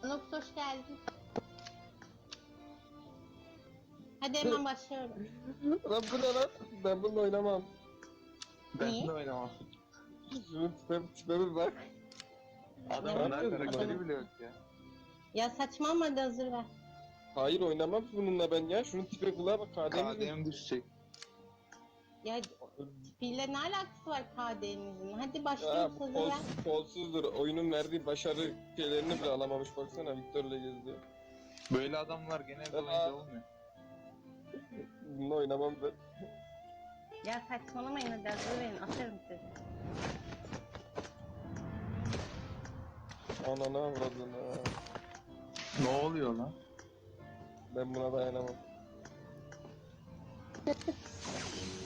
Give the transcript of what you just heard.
Anox hoş geldin. Hadi hemen başlıyorum. Lan bu ne lan? Ben bununla oynamam. Ben Niye? de oynamam. Şunun tipe bir bak. Adamın daha yapıyorsun karakteri bana? bile yok ya. Ya saçmalama, hadi hazır ver. Hayır oynamam bununla ben ya. Şunun tipe kulağa bak. KD'miz mi? KDM düşecek. Ya tipiyle ne alakası var KD'nizin? Hadi Ya başlıyoruz, bu hazır ver. kolsuzdur. Oyunun verdiği başarı şeylerini bile alamamış. Baksana Victor'la geziyor. Böyle adamlar genelde oyunda olmuyor. Bununla oynamam ben. Ya saçmalamayın, hadi hazır verin, atarım sizi. Ananı avradını. Ne oluyor lan? Ben buna dayanamam.